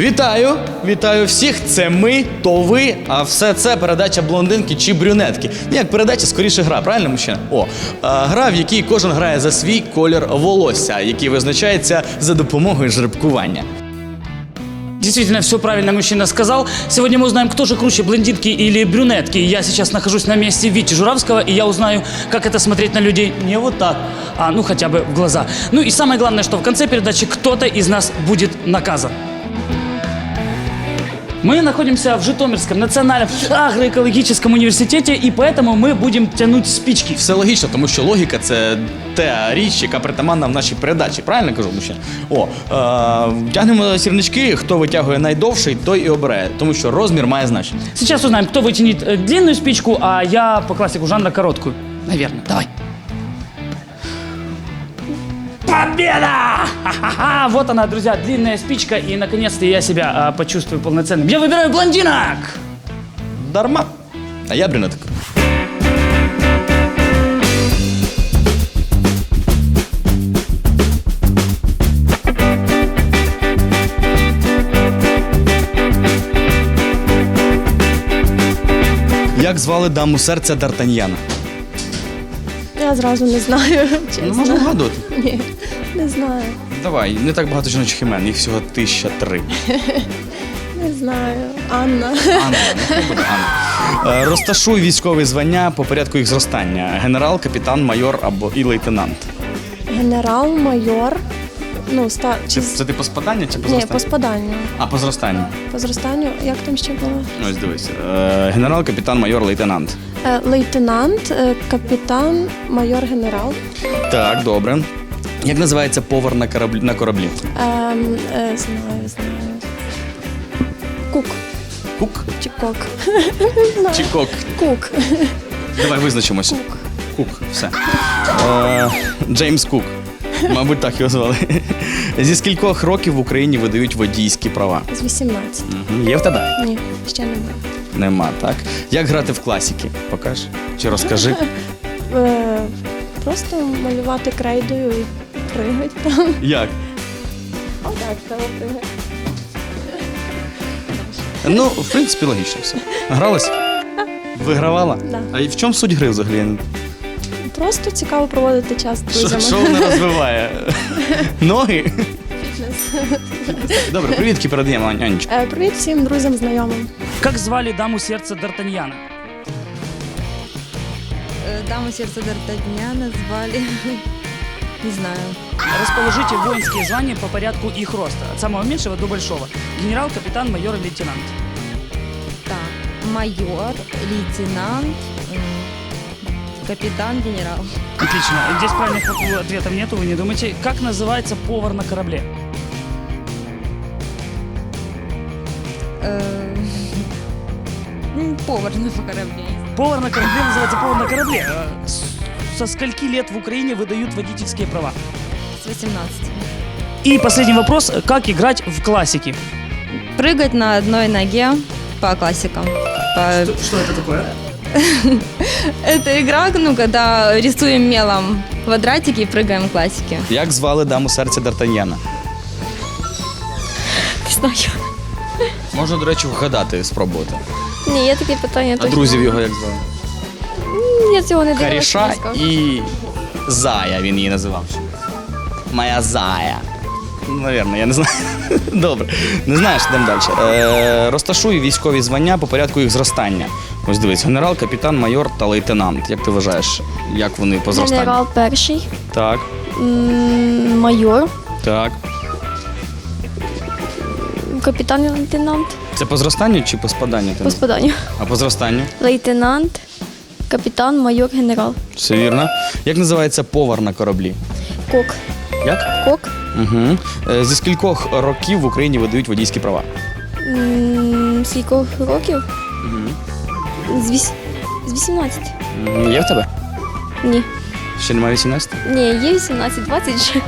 Вітаю! Вітаю всіх! Це ми, то ви, а все це передача блондинки чи брюнетки. Як передача, скоріше гра, правильно, мужчина? Гра, в якій кожен грає за свій колір волосся, який визначається за допомогою жеребкування. Действительно, все правильно мужчина сказал. Сегодня мы узнаем, кто же круче, блондинки или брюнетки. Я сейчас нахожусь на месте Вити Журавского, и я узнаю, как это смотреть на людей не вот так, а ну хотя бы в глаза. Ну и самое главное, что в конце передачи кто-то из нас будет наказан. Мы находимся в Житомирском национальном агроэкологическом университете, и поэтому мы будем тянуть спички. Все логічно, тому що логіка – це та річ, яка притаманна в нашій передачі. Правильно кажу, мужчина? Тягнемо сірнички, хто витягує найдовший, той і обирає, тому що розмір має значення. Сейчас узнаем, кто вытянет длинную спичку, а я по классику жанра короткую. Наверное. Давай. Победа! Ха-ха-ха! Вот она, друзья, длинная спичка, и наконец-то я себя почувствую полноценным. Я выбираю блондинок! Дарма. А я брюнетик. Як звали даму серця Д'Артаньяна? Я зразу не знаю, чесно. Ну, можна вгадувати. Ні, не знаю. Давай, не так багато жіночих імен, їх всього 1003. Не знаю. Анна. Анна, нехай буде Анна. Розташуй військові звання по порядку їх зростання. Генерал, капітан, майор або і лейтенант. Генерал, майор. Ну, Це ти по спаданню чи по Ні, зростанню? по спаданню. А, по зростанню. По зростанню. Як там ще було? Ось дивись. Генерал, капітан, майор, лейтенант. Лейтенант, капітан, майор, генерал. Так, добре. Як називається повар на кораблі? Знаю. Кук. Кук Чи кок? чи кок? Кук. Давай визначимося. Кук, все. Джеймс Кук. Мабуть, так його звали. Зі скількох років в Україні видають водійські права? З 18. Є в тебе? Ні, ще немає. Нема, так? Як грати в класіки? Покаж? Чи розкажи? Просто малювати крейдою і пригати там. Як? Отак, треба пригати. Ну, в принципі, логічно все. Гралась? Вигравала? Да. А і в чому суть гри взагалі? Просто цікаво проводити час з друзями. Що вона розвиває? Ноги? Фітнес. Добре, привітки передаємо, Анечка. Привіт всім друзям, знайомим. Как звали даму сердца Д'Артаньяна? Даму сердца Д'Артаньяна звали... Не знаю. Расположите воинские звания по порядку их роста. От самого меньшего до большого. Генерал, капитан, майор и лейтенант. Так, майор, лейтенант, капитан, генерал. Отлично. Здесь правильных ответов нету, вы не думайте. Как называется повар на корабле? Повар на корабле. Повар на корабле называется повар на корабле. Со скольки лет в Украине выдают водительские права? С 18. И последний вопрос. Как играть в классики? Прыгать на одной ноге по классикам. Что это такое? Это игра, ну, когда рисуем мелом квадратики и прыгаем классики. Як звали даму серця Д'Артаньяна? Не знаю. Можна, до речі, вгадати, спробувати. Ні, є таке питання. А друзів його як звали? Я цього не дивилася. Каріша не скажу. і Зая він її називав. Моя Зая. Навірно, я не знаю. Добре. Не знаєш, йдемо далі. Розташуй військові звання по порядку їх зростання. Ось дивись, генерал, капітан, майор та лейтенант. Як ти вважаєш, як вони по зростанню? Генерал перший, Так, майор, так. капітан і лейтенант. Це по зростанню чи по спаданню? По спаданню. А по зростанню? Лейтенант, капітан, майор, генерал. Все вірно. Як називається повар на кораблі? Кок. Як? Кок. Угу. Зі скількох років в Україні видають водійські права? Скількох років? З 18. Є в тебе? Ні. Ще немає 18? Ні, є 18, 20 вже.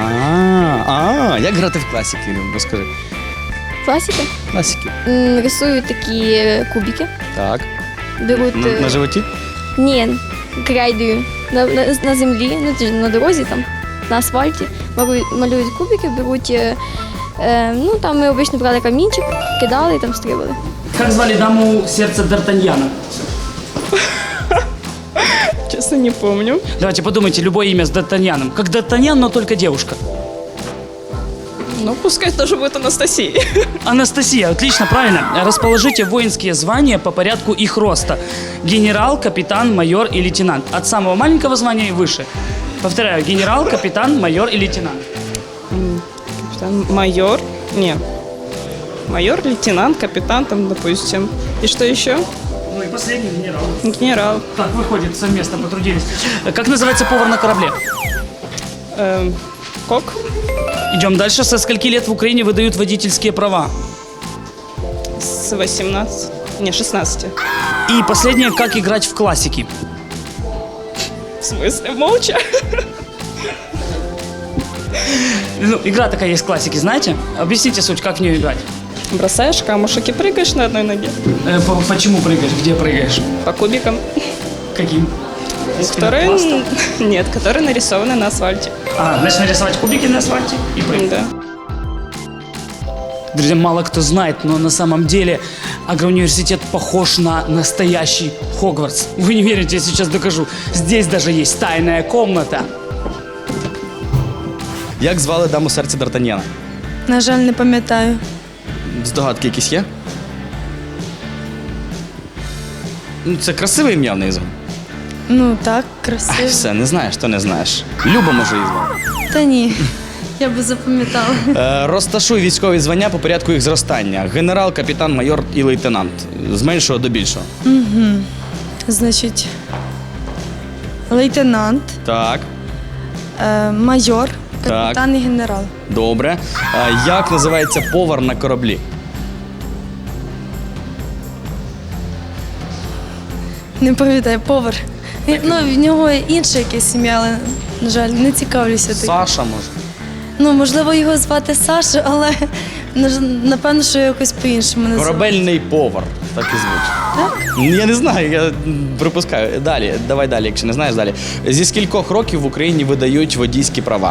Як грати в класіки? Розкажи. Класика. Класіки. Рисую такі кубики. Так. Беруть... На животі? Ні, крейдою. На землі, ну, на дорозі там, на асфальті. Малюють кубики, беруть Ну, там ми обично брали камінчик, кидали і там стрибали. Как звали даму сердца Д'Артаньяна? Честно, не помню. Давайте подумайте, любое имя с Д'Артаньяном. Как Д'Артаньян, но только девушка. Ну, пускай тоже будет Анастасия. Анастасия, отлично, правильно. Расположите воинские звания по порядку их роста. Генерал, капитан, майор и лейтенант. От самого маленького звания и выше. Повторяю, генерал, капитан, майор и лейтенант. Капитан, майор. Не. Майор, лейтенант, капитан там, допустим. И что еще? Ну и последний генерал. Генерал. Так, выходит, совместно потрудились. Как называется повар на корабле? Кок. Идем дальше. Со скольки лет в Украине выдают водительские права? С 18. Не, 16. И последнее, как играть в классики? В смысле? Молча? Ну, игра такая есть классики, знаете? Объясните суть, как в нее играть. Бросаешь камушек и прыгаешь на одной ноге. Почему прыгаешь? Где прыгаешь? По кубикам. Каким? Которые... Нет, которые нарисованы на асфальте. Значит, нарисовать кубики на асфальте и прыгать. Да. Друзья, мало кто знает, но на самом деле агроуниверситет похож на настоящий Хогвартс. Вы не верите, я сейчас докажу. Здесь даже есть тайная комната. Як звали даму серця Д'Артаньяна? На жаль, не пам'ятаю. Здогадки якісь є? Ну, це красиве ім'я в неї звали. Ну так, Ай, красиво. все, не знаєш, то не знаєш. Люба, може, її звати. Та ні, я би запам'ятала. Розташуй військові звання по порядку їх зростання. Генерал, капітан, майор і лейтенант. З меншого до більшого. Значить, лейтенант, Так, майор, капітан і генерал. добре. Як називається повар на кораблі? Не пам'ятаю, повар. Ну, в нього інше якесь ім'я, але, на жаль, не цікавлюся тим. Саша, може. Ну, можливо, його звати Саша, але напевно, що якось по-іншому називають. Корабельний повар. Так і звуть. Так? Я не знаю, я припускаю. Далі, давай далі, якщо не знаєш, далі. Зі скількох років в Україні видають водійські права?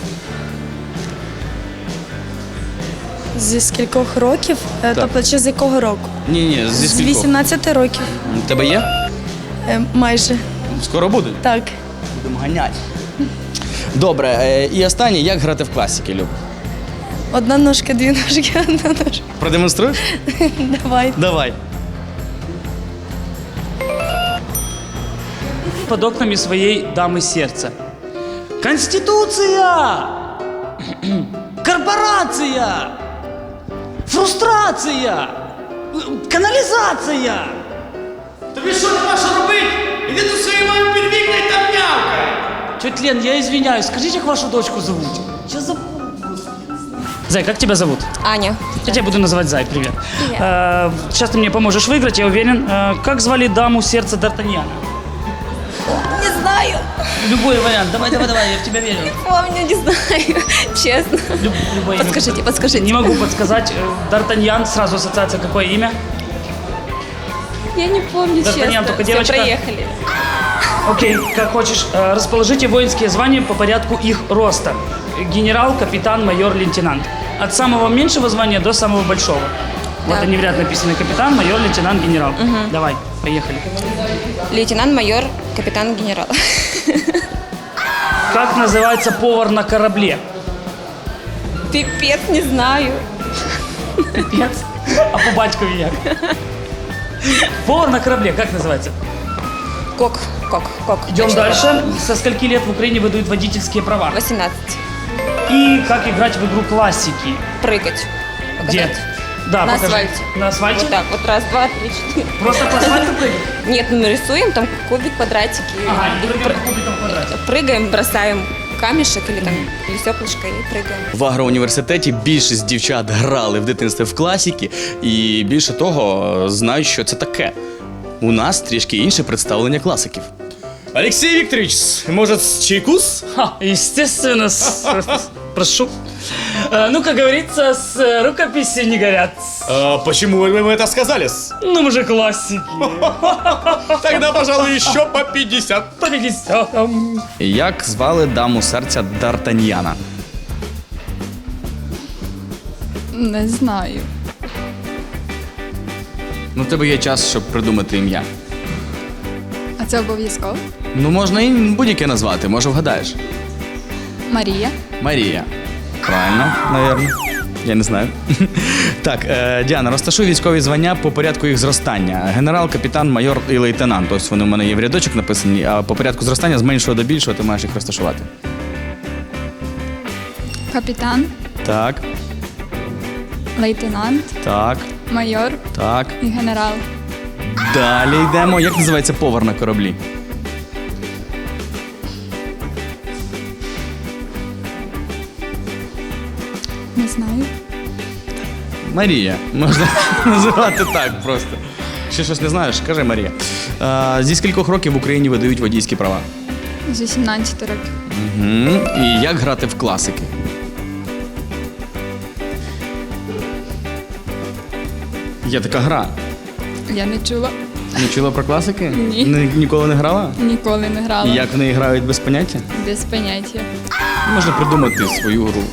Зі скількох років? Тобто, чи з якого року? Ні, зі З скількох. 18 років. У тебе є? Майже. Скоро буде? Так. Будемо ганяти. Добре, і останнє, як грати в класики, Люб? Одна ножка, дві ножки, одна ножка. Продемонструєш? Давай. Давай. Под окнами своей дамы сердца. Конституция! Корпорация! Фрустрація! Каналізація! Тобі що нема що робити? Іди до своєї мами під вікна і там м'явкай! Тетя Лен, я извиняюсь, скажите, как вашу дочку зовут? Я забыл. Зай, как тебя зовут? Аня. Я тебя буду называть Зай, привет. Сейчас ты мне поможешь выиграть, я уверен. Как звали даму сердца Д'Артаньяна? Не знаю. Любой вариант, давай, я в тебя верю. Помню, не знаю. Честно. Любое имя. Подскажите. Не могу подсказать. Д'Артаньян, сразу ассоциация, какое имя? Я не помню, Д'Артаньян, честно. только Все, девочка. проехали. Окей, как хочешь. Расположите воинские звания по порядку их роста. Генерал, капитан, майор, лейтенант. От самого меньшего звания до самого большого. Вот Да. они в ряд написаны. Капитан, майор, лейтенант, генерал. Давай, поехали. Лейтенант, майор, капитан, генерал. Как называется повар на корабле? Пипец, не знаю. Пипец. А по батькові як? Повар на корабле, как называется? Кок. Идем дальше. Со скольки лет в Украине выдают водительские права? 18. И как играть в игру классики? Прыгать. Где? Показать. Да, На покажи. асфальте. На асфальте? Вот так, вот раз, два, три, четыре. Просто по асфальту прыгать? Нет, мы рисуем там кубик, квадратики. Ага, и прыгаем по кубикам в квадрате. Прыгаем, бросаем камешек или там или стеклышко и прыгаем. В агроуніверситеті більшість дівчат грали в дитинстві в класики і більше того знають, що це таке. У нас трішки інше представлення класиків. Олексій Вікторович, може, чайкус? Ха, естественно, прошу. Ну, как говорится, с рукописи не горят. Почему вы это сказали? Ну, мы же классики. Тогда, пожалуй, еще по 50. По 50. Як звали даму серця Д'Артаньяна? Не знаю. Ну, в тебе є час, щоб придумати ім'я. А це обов'язково? Ну, можна і будь-яке назвати, може вгадаєш. Марія. Марія. Правильно, навірно. Я не знаю. Так, Діана, розташуй військові звання по порядку їх зростання. Генерал, капітан, майор і лейтенант. Ось вони в мене є в рядочок написані, а по порядку зростання з меншого до більшого ти маєш їх розташувати. Капітан, Так, лейтенант, так, майор так. і генерал. Далі йдемо. Як називається повар на кораблі? Не знаю. Марія. Можна називати так просто. Ще щось не знаєш? Кажи Марія. Зі скількох років в Україні видають водійські права? З 18 років. Угу. І як грати в класики? Є така гра. Я не чула. Не чула про класики? Ні. Ніколи не грала? Ніколи не грала. І як в неї грають без поняття? Без поняття. Можна придумати свою гру.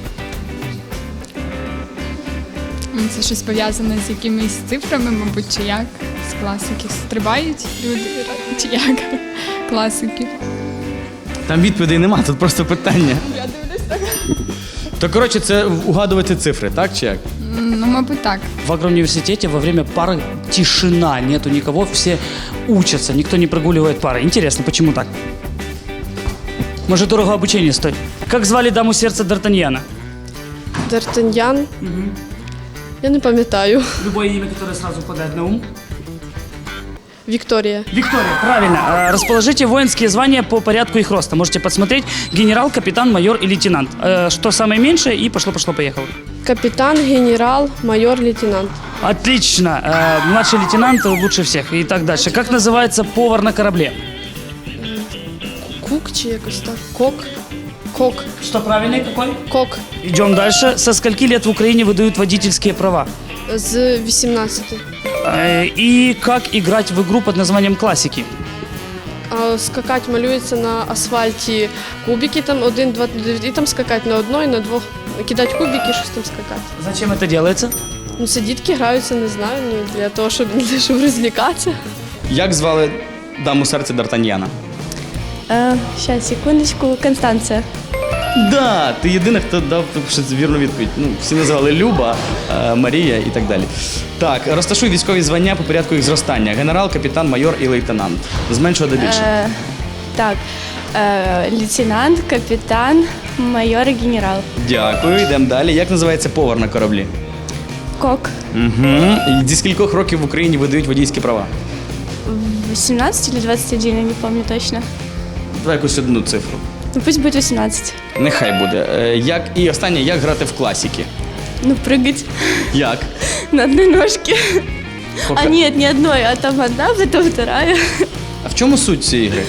Це щось пов'язане з якимись цифрами, мабуть, чи як? З класиків. Стрибають люди, чи як? Класики. Там відповідей нема, тут просто питання. Я дивлюсь так. То, коротше, це угадувати цифри, так чи як? Ну, мабуть, так. В агроуниверситете во время пары тишина, нету никого, все учатся, никто не прогуливает пары. Интересно, почему так? Может, дорого обучение стоит? Как звали даму сердца Д'Артаньяна? Д'Артаньян. Я не пам'ятаю. Любое имя, которое сразу падает на ум. Вікторія. Виктория, правильно. Расположите воинские звания по порядку их роста. Можете посмотреть. Генерал, капитан, майор и лейтенант. Что самое меньшее, и пошло-поехало. Капітан, генерал, майор, лейтенант. Отлично. Младший лейтенант лучше всех. И так дальше. Как называется повар на корабле? Кук чи якось так? Кок. Кок. Что правильный какой? Кок. Идем дальше. Со скольки лет в Украине выдают водительские права? З 18. И как играть в игру под названием «Классики»? А скакать малюється на асфальті кубики, там 1, 2, і там скакати на одної, на двох. Кидати кубики, щось там скакати. Зачем это делается? Ну, це дітки граються, не знаю, ну, для того, щоб розлікатися. Як звали даму серця Д'Артаньяна? Сейчас, секундочку, Констанция. Да, ти єдина, хто дав щось вірну відповідь. Ну, всі називали Люба, Марія і так далі. Так, розташуй військові звання по порядку їх зростання. Генерал, капітан, майор і лейтенант. З меншого до більшого. Так, лейтенант, капитан, майор и генерал. Дякую, йдемо далі. Як називається повар на кораблі? Кок. Угу. І зі скількох років в Україні видають водійські права? 18 или 21, я не помню точно. Давай якусь одну цифру. Ну пусть будет 18. Нехай буде. І останнє, як грати в класіки? Ну прыгать Як? на одной ножке. Пока- А нет, не одной, а там одна, потом вторая. А в чому суть цієї гри?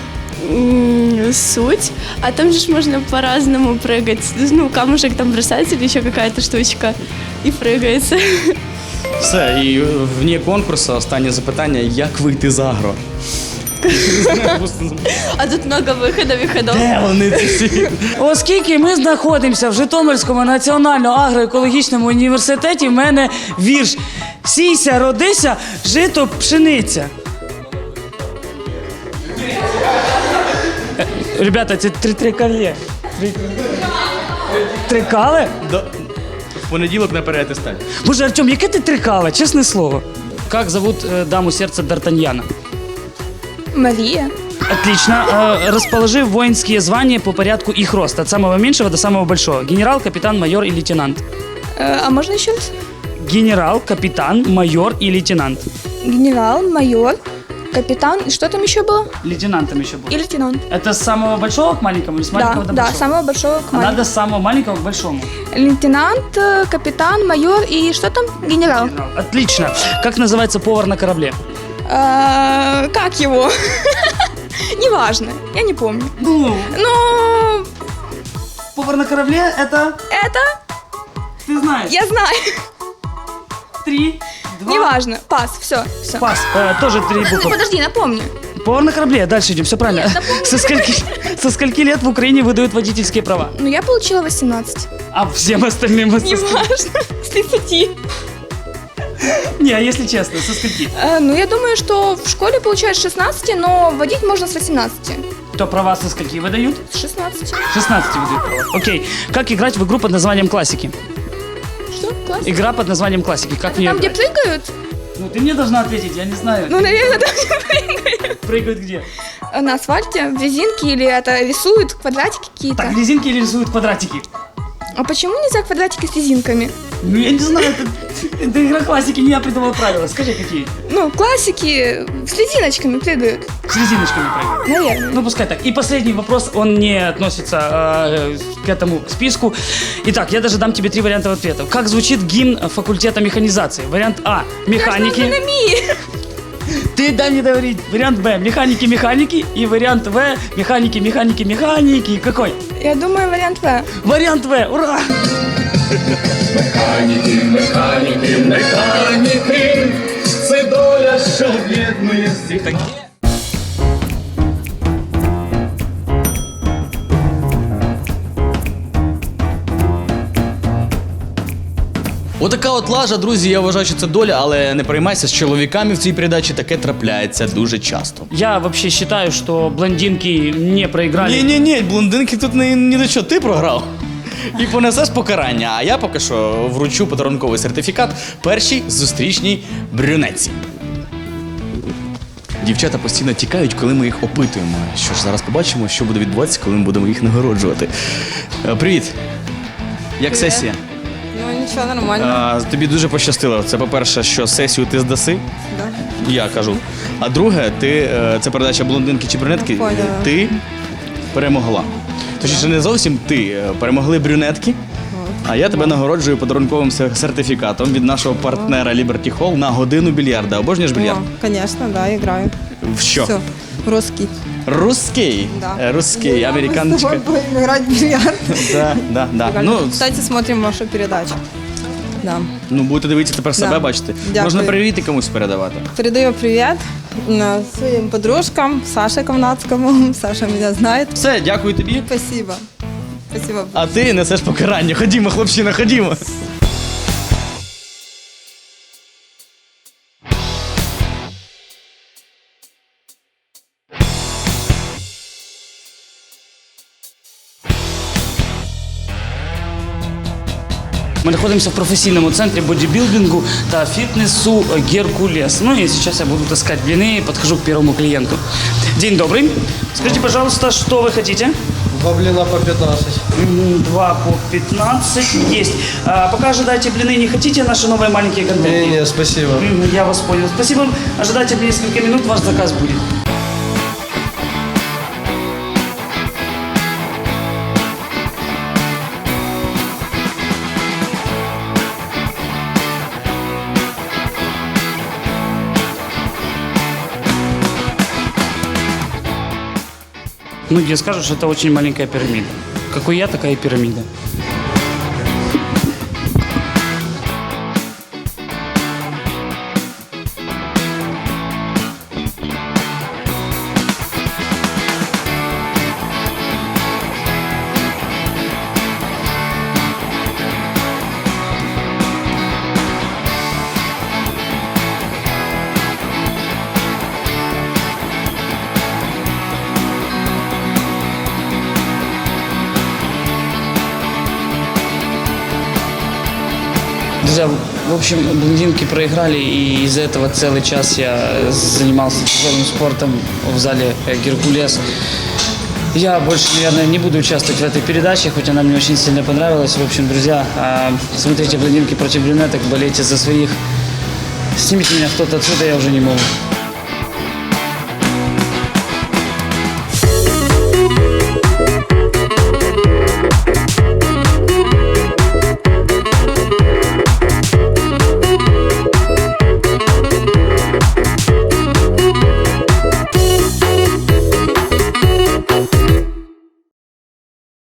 Суть. А там же ж можно по-разному прыгать. Ну, камушек там бросается или еще какая-то штучка. И прыгается. Все, і вне конкурсу останнє запитання, як вийти з агро? А тут много выходов и ходов. Де вони ці всі? Оскільки ми знаходимося в Житомирському національному агроекологічному університеті, в мене вірш «Сійся, родися, жито, пшениця». Ребята, це трикалє. Трикале? В понеділок на переатестаті. Боже, Артем, яке ти трикале, чесне слово. Как зовут даму сердца Д'Артаньяна? Марія. Отлично. Расположи воинские звания по порядку их роста. От самого меньшего до самого большого. Генерал, капитан, майор и лейтенант. А можна ще раз? Генерал, капитан, майор и лейтенант. Генерал, майор, капитан. И что там еще было? Лейтенантом еще И будет. лейтенант. Это с самого большого к маленькому или с маленького до Да, большого? самого большого к А маленькому. надо с самого маленького к большому. Лейтенант, капитан, майор и что там? Генерал. Генерал. Отлично. Как называется повар на корабле? Как его? Неважно, я не помню. Ну, Но повар на корабле это... это Ты знаешь. я знаю. 3, 2... Неважно. Пас, все, все. Пас. Тоже 3 буквы. Подожди, напомню. Повар на корабле. Дальше идем. Все правильно. Со скольки лет в Украине выдают водительские права? Ну, я получила 18. А всем остальным со скольки? Неважно, с 30. Не, а если честно, со скольки? Ну, я думаю, что в школе получают с 16, но водить можно с 18. То права со скольки выдают? С 16. 16 выдают права. Окей. Как играть в игру под названием «Классики»? Что? Класс? Игра под названием «Классики». Как в нее Там, где играть? прыгают? Ну, ты мне должна ответить, я не знаю. Ну, наверное, там, где прыгают. Прыгают где? На асфальте, в резинке или это рисуют квадратики какие-то. Так, резинки или рисуют квадратики? А почему нельзя квадратики с резинками? Ну, я не знаю, это игра «Классики», не я придумал правила. Скажи, какие? Ну, классики с резиночками прыгают. С резиночками прыгают. Наверное. Ну, пускай так. И последний вопрос, он не относится к этому к списку. Итак, я даже дам тебе 3 варианта ответов. Как звучит гимн факультета механизации? Вариант А – механики. Ты дай мне говорить. Вариант Б – механики. И вариант В – механики. Какой? Я думаю, вариант В. Вариант В. Ура! Механіки, це доля, що об'єднує всіх. Отака от лажа, друзі, я вважаю, що це доля, але не переймайся, з чоловіками в цій передачі таке трапляється дуже часто. Я вообще считаю, что блондинки не проиграли. Ні, блондинки тут ні до чого, ти програв. І понесеш покарання, а я поки що вручу подарунковий сертифікат першій зустрічній брюнетці. Дівчата постійно тікають, коли ми їх опитуємо. Що ж, зараз побачимо, що буде відбуватися, коли ми будемо їх нагороджувати. Привіт! Як сесія? Ну, ничего, нормально. Тобі дуже пощастило. Це, по-перше, що сесію ти здаси, Да. я кажу. А друге, це передача блондинки чи брюнетки, Поняла. ти перемогла. Точніше, не зовсім ти, перемогли брюнетки, а я тебе нагороджую подарунковим сертифікатом від нашого партнера Liberty Hall на годину більярда. Обожнюєш більярд? Конечно, да, играю. В що? Все, русский. Русский? Да. Русский, американочка. Будем играть в бильярд. Да. Ну, Кстати, смотрим вашу передачу. Да. ну, будете дивитися тепер себе, Да. бачите. Дякую. Можна привіт і комусь передавати. Передаю привет своим подружкам, Саше Ковнацкому. Саша меня знает. Все, дякую тобі. Спасибо. Спасибо. А ти несеш покарання. Ходімо, хлопчина, ходімо. Мы находимся в профессийном центре бодибилдингу та фитнесу «Геркулес». Ну и сейчас я буду таскать блины и подхожу к первому клиенту. День добрый. Скажите, пожалуйста, что вы хотите? 2 блина по 15. 2 по 15. Есть. Пока ожидайте блины, не хотите наши новые маленькие контейнеры? Не, спасибо. Я вас понял. Спасибо. Ожидайте несколько минут, ваш заказ будет. Многие скажут, что это очень маленькая пирамида. Какой я, такая и пирамида. Друзья, в общем, блондинки проиграли, и из-за этого целый час я занимался тяжелым спортом в зале «Геркулес». Я больше, наверное, не буду участвовать в этой передаче, хоть она мне очень сильно понравилась. В общем, друзья, смотрите «Блондинки против брюнеток», болейте за своих. Снимите меня кто-то отсюда, я уже не могу.